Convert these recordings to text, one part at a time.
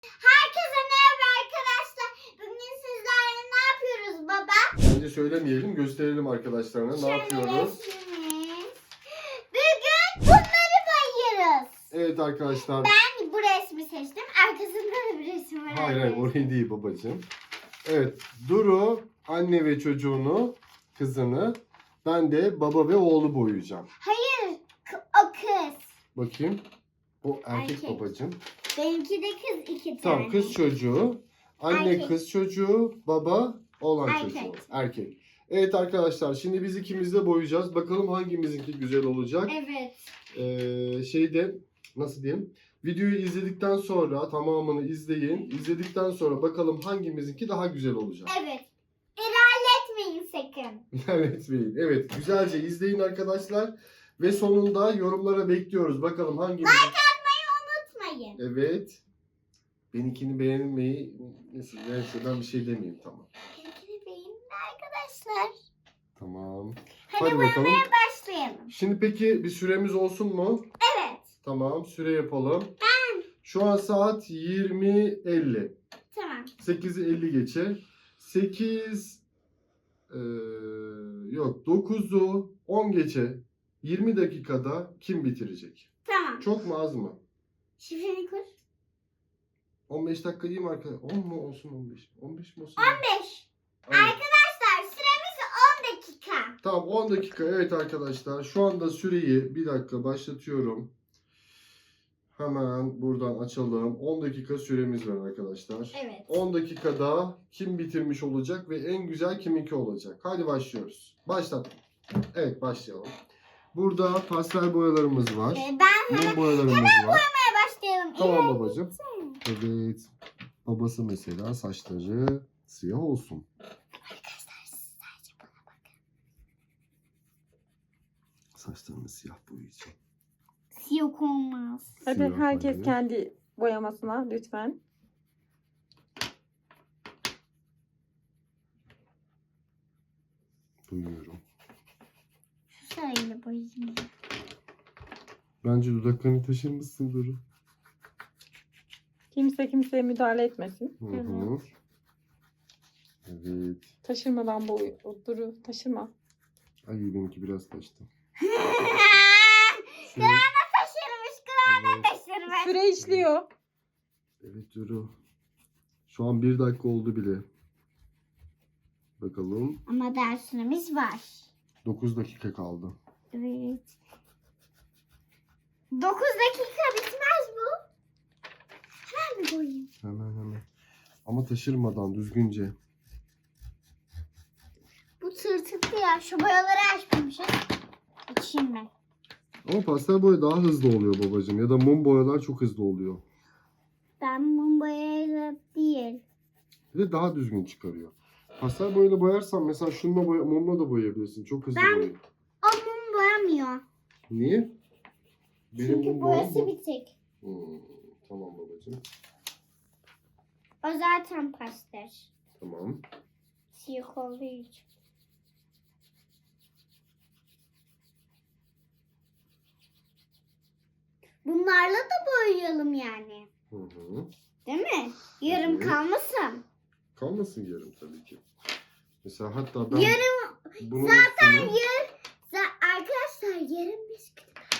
Herkese merhaba arkadaşlar. Bugün sizlerle ne yapıyoruz baba? Bence söylemeyelim, gösterelim arkadaşlarına ne yapıyoruz. Resmimiz. Bugün bunları boyuyoruz. Evet arkadaşlar. Ben bu resmi seçtim. Arkasında da bir resim var. Hayır orayı değil babacığım. Evet, Duru anne ve çocuğunu, kızını, ben de baba ve oğlu boyayacağım. Hayır, o kız. Bakayım. O erkek Erkek. babacığım. Benimki de kız, iki tane. Tamam, kız çocuğu, anne Erkek. kız çocuğu, baba oğlan Erkek. çocuğu. Erkek. Evet arkadaşlar, şimdi biz ikimiz de boyayacağız. Bakalım hangimizinki güzel olacak. Evet. Nasıl diyeyim? Videoyu izledikten sonra tamamını izleyin. İzledikten sonra bakalım hangimizinki daha güzel olacak. Evet. İlerletmeyin sakın. İlerletmeyin. Evet, güzelce izleyin arkadaşlar. Ve sonunda yorumlara bekliyoruz. Bakalım hangimiz... Unutmayın. Evet. Benimkini beğenmeyi... Neyse ben bir şey demeyeyim, tamam. Benimkini beğenin arkadaşlar. Tamam. Hadi boyamaya başlayalım. Şimdi peki bir süremiz olsun mu? Evet. Tamam, süre yapalım. Şu an saat 20:50. Tamam. 8'i 50 geçe. 9'u 10 geçe. 20 dakikada kim bitirecek? Tamam. Çok mu az mı? Şifreni kur. 15 dakika iyi mi arkadaşlar? 10 mu olsun 15? 15 mi olsun? 15. Aynen. Arkadaşlar süremiz 10 dakika. Tamam 10 dakika. Evet arkadaşlar. Şu anda süreyi bir dakika başlatıyorum. Hemen buradan açalım. 10 dakika süremiz var arkadaşlar. Evet. 10 dakikada kim bitirmiş olacak ve en güzel kiminki olacak? Hadi başlıyoruz. Başlat. Evet başlayalım. Burada pastel boyalarımız var. Mum boyalarımız var. Başlayalım. Tamam babacığım. Evet. Babası mesela saçları siyah olsun. Arkadaşlar siz sadece bana bakın. Saçlarını siyah boyayacağım. Siyah olmaz. Hadi Siyah herkes boyayayım. kendi boyamasına lütfen. Boyuyorum. Şu sarıyla boyayayım. Bence dudaklarını taşırmışsın Duru. Kimse kimseye müdahale etmesin. Hı hı. Evet. Taşırmadan boy. Duru taşırma. Ay benimki biraz taştı. Kulağına taşırmış. Kulağına taşırmış. Süre işliyor. Evet Duru. Şu an 1 dakika oldu bile. Bakalım. Ama daha süremiz var. 9 dakika kaldı. Evet. 9 dakika bitmez bu. Hemen mi boyayayım? Hemen. Ama taşırmadan düzgünce. Bu tırtıklı ya. Şu boyaları açmamışız. Açayım ben. Ama pastel boya daha hızlı oluyor babacığım. Ya da mum boyalar çok hızlı oluyor. Ben mum boyayla değil. Bir de daha düzgün çıkarıyor. Pastel boyayla boyarsan mesela şununla mumla da boyayabilirsin. Çok hızlı boyuyor. O mum boyamıyor. Niye? Çünkü mum boyası boyam bu. bitik. Tamam babacığım. O zaten pastel. Tamam. Siyah olduğu için. Bunlarla da boyayalım yani. Hı hı. Değil mi? Yarım Evet. kalmasın. Kalmasın yarım tabii ki. Mesela hatta ben Yarım bunun zaten üstüne... arkadaşlar yarım biz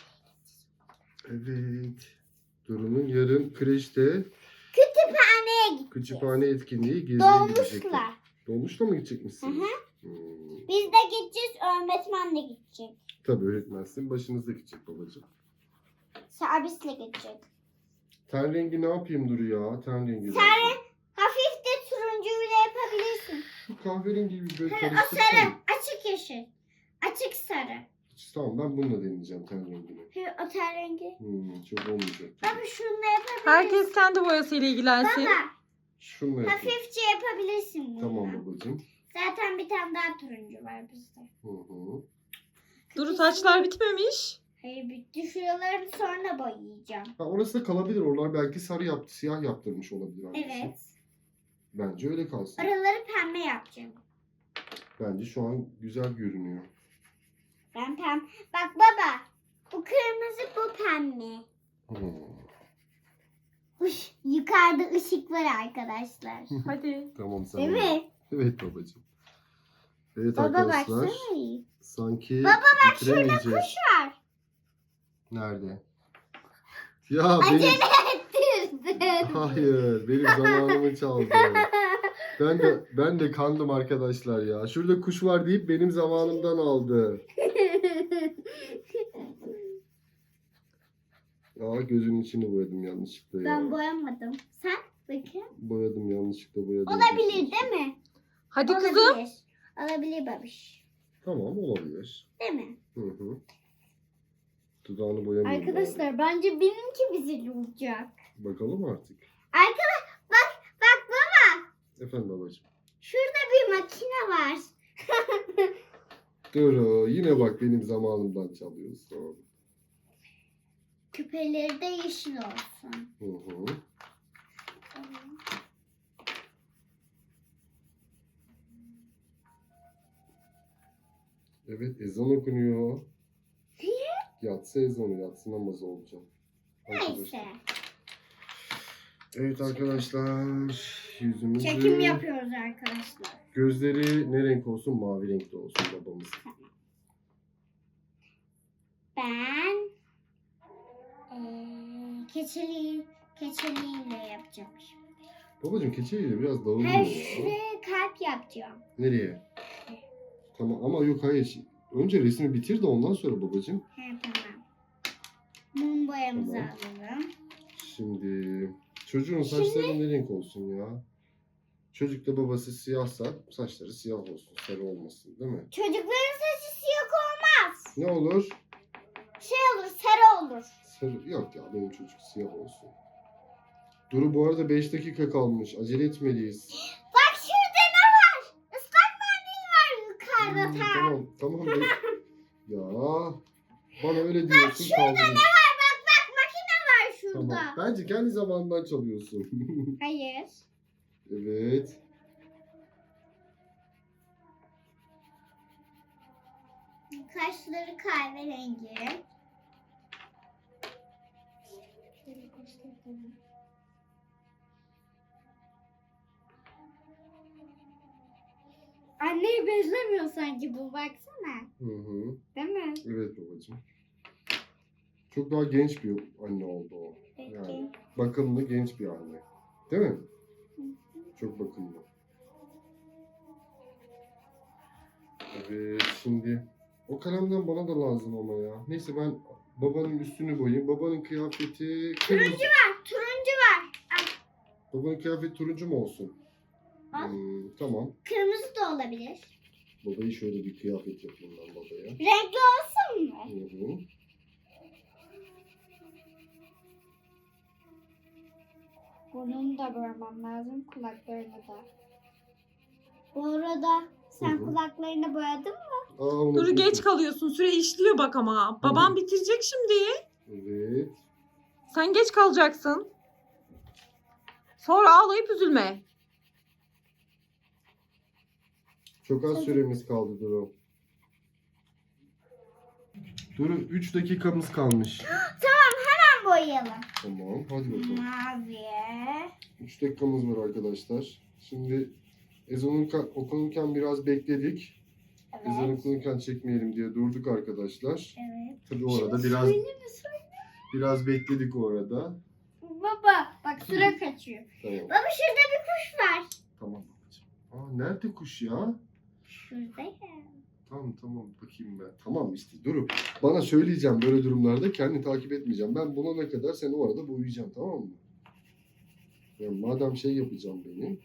Evet. Duru'nun yarın kreşte kütüphaneye gittik. kütüphane etkinliği geziye gidecekler. Dolmuşlar. Dolmuşla mı gidecek misiniz? Hı hı. Hmm. Biz de gideceğiz. Öğretmen de gidecek. Tabii öğretmensin. Başınızda gidecek babacığım. Servisle gidecek. Ten rengi ne yapayım Duru ya? Ten rengi. Sen hafif de turuncuyla yapabilirsin. Şu kahverengi bir böyle O karıştırsana. sarı. Açık yeşil. Açık sarı. Tamam ben bununla deneyeceğim ten rengini. O ten rengi. Çok olmayacak. Baba şununla yapabilirsin. Herkes kendi boyasıyla ilgilensin. Baba Şununla yapayım. hafifçe yapabilirsin bunu. Tamam babacığım. Zaten bir tane daha turuncu var bizde. Hı. Duru saçlar bitmemiş. Hayır bitti. Şuraları sonra boyayacağım. Ha, orası da kalabilir. Oralar belki sarı yaptı, siyah yaptırmış olabilir annesi. Evet. Bence öyle kalsın. Oraları pembe yapacağım. Bence şu an güzel görünüyor. Ben pembe. Bak baba. Bu kırmızı bu pembe. Hmm. Yukarıda ışık var arkadaşlar. Hadi. Tamam sen. Değil mi? Evet babacığım. Evet Baba arkadaşlar. baksana. Sanki Baba bak şurada bitiremeyeceğiz. kuş var. Nerede? Ya benim... Acele ettirdin. Hayır, benim zamanımı çaldı. Ben de kandım arkadaşlar ya. Şurada kuş var deyip benim zamanımdan aldı. Aa, gözünün içini boyadım yanlışlıkla ya. Ben boyamadım. Sen bakın. Boyadım yanlışlıkla boyadım. Olabilir değil mi? Hadi Olabilir. kızım. Olabilir babiş. Tamam olabilir. Değil mi? Hı hı. Dudağını boyamayayım bari. Arkadaşlar bence benimki güzel olacak. Bakalım artık. Bak baba. Efendim babacığım. Şurada bir makine var. Dur yine bak benim zamanımdan çalıyorsun. Küpeleri de yeşil olsun. Hı hı. Evet ezan okunuyor. Yatsı ezanı, yatsı namazı olacak. Neyse. Evet arkadaşlar yüzümüzü... Çekim yapıyoruz arkadaşlar. Gözleri ne renk olsun? Mavi renkte olsun babamız. Ben keçeliyle yapacağım şimdi. Babacığım keçeyle biraz dağılıyor Her ya. şuraya kalp yapacağım. Nereye? Tamam ama yok hayır. Önce resmi bitir de ondan sonra babacığım. He tamam. Mum boyamızı Tamam. alalım. Şimdi çocuğun saçları ne renk olsun ya? Çocuk da babası siyahsa saçları siyah olsun, sarı olmasın değil mi? Çocukların saçı siyah olmaz. Ne olur? Şey olur, sarı olur. Sarı. Yok ya benim çocuk siyah olsun. Duru bu arada 5 dakika kalmış. Acele etmeliyiz. Bak şurada ne var? Islak mendil var yukarıda tam. Tamam. Ya bana öyle diyorsun kaldın. Bak makine var şurada. Tamam. Bence kendi zamanından çalıyorsun. Hayır. Evet. Kaşları kahverengi. Anneyi benzemiyor sanki bu baksana. Hı hı. Değil mi? Evet babacığım. Çok daha genç bir anne oldu o. Peki. Yani bakımlı genç bir anne. Değil mi? Çok bakımlı. Evet şimdi o kalemden bana da lazım ama ya. Neyse ben babanın üstünü boyayayım. Babanın kıyafeti kırmızı. Turuncu var. Babanın kıyafeti turuncu mu olsun? Al. Tamam. Kırmızı da olabilir. Babayı şöyle bir kıyafet yapayım ben babaya. Renkli olsun mu? Hı hı. Burnunu da boyamam lazım. Kulaklarını da. Bu arada sen Hı hı. kulaklarını boyadın mı? Aa, Duru unutmuşum. geç kalıyorsun. Süre işliyor bak ama. Babam bitirecek şimdi. Evet. Sen geç kalacaksın. Sonra ağlayıp üzülme. Çok az süremiz kaldı Duru. Duru 3 dakikamız kalmış. Hemen boyayalım. Tamam hadi bakalım. Maviye. 3 dakikamız var arkadaşlar. Şimdi ezanın okunurken biraz bekledik. Ezan Evet. okunurken çekmeyelim diye durduk arkadaşlar. Evet. Tabii orada biraz bekledik orada. Baba bak sıra kaçıyor. Tamam. Baba şurada bir kuş var. Tamam babacığım. Aa nerede kuş ya? Şurada ya. Tamam bakayım ben. Tamam işte Duru. Bana söyleyeceğim böyle durumlarda kendini takip etmeyeceğim. Ben bulana kadar seni orada boyayacağım tamam mı? Ya madem şey yapacağım benim.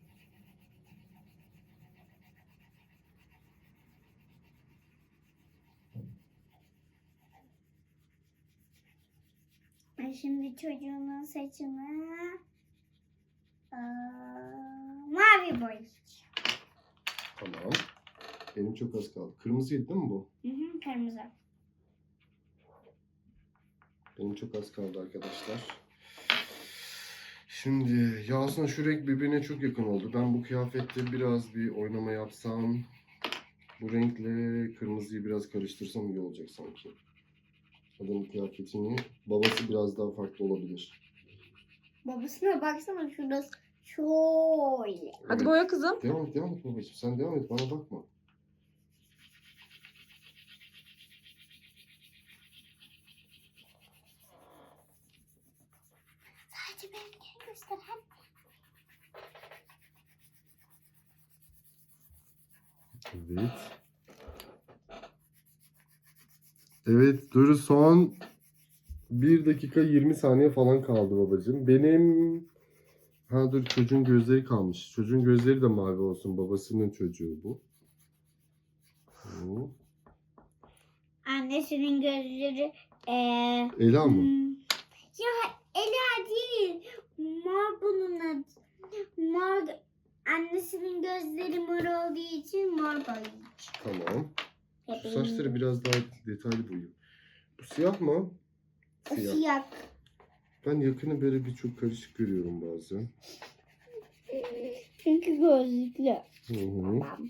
Ben şimdi çocuğumun saçını mavi boyayacağım. Tamam. Benim çok az kaldı. Kırmızıydı değil mi bu? Kırmızı. Benim çok az kaldı arkadaşlar. Şimdi ya aslında şu renk birbirine çok yakın oldu. Ben bu kıyafette biraz bir oynama yapsam. Bu renkle kırmızıyı biraz karıştırsam iyi olacak sanki. Adamın kıyafetini babası biraz daha farklı olabilir. Babasına baksana şurası şöyle. Hadi boya kızım. Devam et babacığım. Sen devam et, bana bakma. Sadece benimkini göster. Hadi. Evet. Evet, Duru son 1 dakika 20 saniye falan kaldı babacığım. Dur, çocuğun gözleri kalmış. Çocuğun gözleri de mavi olsun. Babasının çocuğu bu. Hı. Annesinin gözleri Ela mı? Ya Ela değil. Mor bunun adı. Mor. Annesinin gözleri mor olduğu için mor boyaymış. Tamam. Şu saçları biraz daha detaylı boyayayım. Bu siyah mı? O siyah. Ben yakını böyle bir çok karışık görüyorum bazen. Çünkü gözlüklü. Hı hı. Tamam.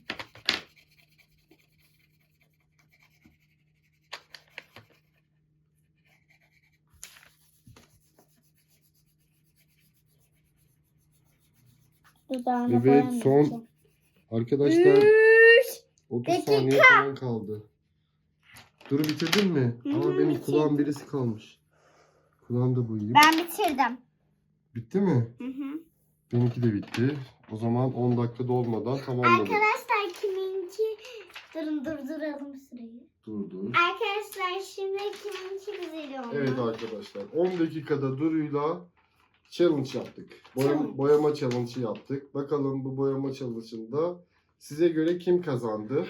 Dudağına Evet, boyamayacağım. son arkadaşlar 30 dakika. saniye falan kaldı. Duru bitirdin mi? Hı hı, Ama benim bitirdim. kulağım birisi kalmış. Kulağım da boyayayım. Ben bitirdim. Bitti mi? Hı hı. Benimki de bitti. O zaman 10 dakika dolmadan tamamladık. Arkadaşlar kiminki... Durun durduralım sırayı. Dur. Arkadaşlar şimdi kiminki güzel oldu? Evet arkadaşlar, 10 dakikada Duru'yla challenge yaptık. Challenge. Boyama challenge'ı yaptık. Bakalım bu boyama challenge'ında size göre kim kazandı?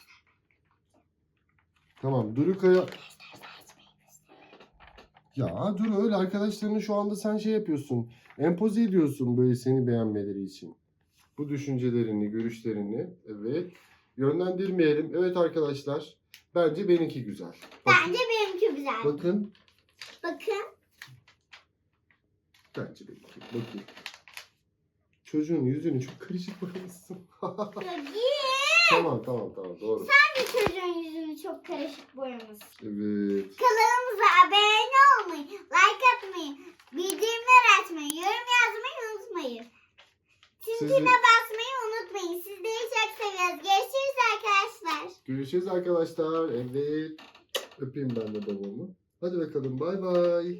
Tamam, Duru Kaya... Ya Duru, öyle arkadaşlarını şu anda sen şey yapıyorsun. Empoze ediyorsun böyle seni beğenmeleri için. Bu düşüncelerini, görüşlerini, evet. Yönlendirmeyelim. Evet arkadaşlar, bence benimki güzel. Bence benimki güzel. Bakın. Bakın. Bence benimki. Bakın. Çocuğun yüzünü çok karışık boyamışsın. Tamam doğru. Sen de çocuğun yüzünü çok karışık boyamışsın. Evet. Kanalımıza abone olmayı, like atmayı, bildirimler açmayı, yorum yazmayı unutmayın. Tintine basmayı unutmayın. Sizleri çok seviyoruz. Görüşürüz arkadaşlar. Görüşürüz arkadaşlar. Evet. Öpeyim ben de babamı. Hadi bakalım, bay bay.